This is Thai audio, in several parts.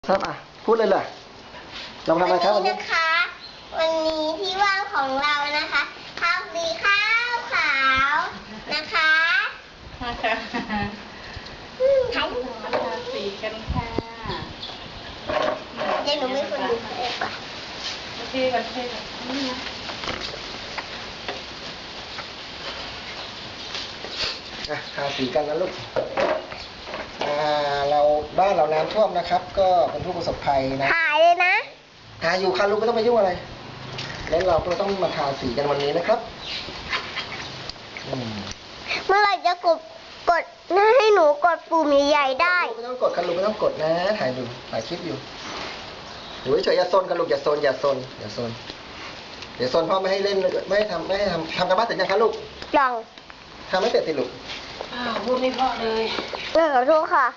ครับพูดเลยเลยเราทำอะไรครับวันนี้นะคะวันนี้ที่ว่างของเรานะคะทำสีข้าวขาวนะคะทำสีกันค่ะเดี๋ยวหนูไม่คนดูเองก่อนเทกันนี่นะทาสีกันนะลูกเราบ้านเราน้ำท่วมนะครับ ก็เป็นผู้ประสบภัยนะถ่ายเลยนะทาอยู่ค่ะลูกไม่ต้องไปยุ่งอะไรแล้วเราก็ต้องมาทาสีกันวันนี้นะครับเมื่อไหร่จะกดให้หนูกดปุ่มใหญ่ๆได้ไม่ต้องกดค่ะลูกไม่ต้องกดนะถ่ายคลิปอยู่อยู่เฉยๆอย่าโซนค่ะลูกอย่าโซนเดี๋ยวโซนพ่อไม่ให้เล่นไม่ให้ทำการบ้านเสร็จยังคะลูกยังทำไม่เสร็จสิลูกพูดไม่เพราะเลยขอโทษค่ะ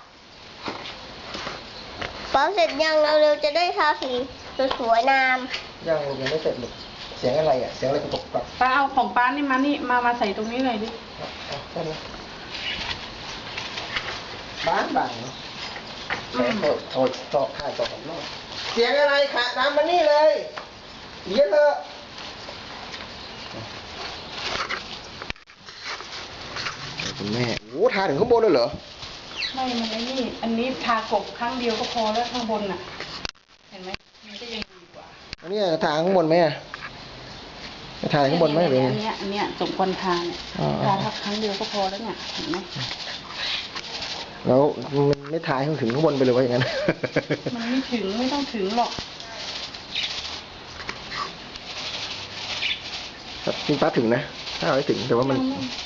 พอเสร็จยังเราเร็วจะได้ทาสีสวยงามยังไม่เสร็จลูกเสียงอะไรเสียงอะไรกระตุกกระตุกป้าเอาของป้านี่มาใส่ตรงนี้เลยดิได้ไหมบ้านบังโทษถ่ายต่อของนอกเสียงอะไรค่ะน้ำมานี่เลยเยอะเลยคุณแม่โอ้ทาถึงข้างบนเลยเหรอไม่มันนี่อันนี้ทากบครั้งเดียวก็พอแล้วข้างบนน่ะเห็นไหมมันก็ยังดีกว่าอันนี้ทาข้างบนไหมทาข้างบนไหมหรืออันเนี้ยสมควรทาเนี่ยทาครั้งเดียวก็พอแล้วเนี่ยเห็นไหมแล้วมันไม่ทาให้ถึงข้างบนไปเลยว่าอย่างนั้นมันไม่ถึงไม่ต้องถึงหรอกจริงป้าถึงนะถ้าเอาให้ถึงแต่ว่ามัน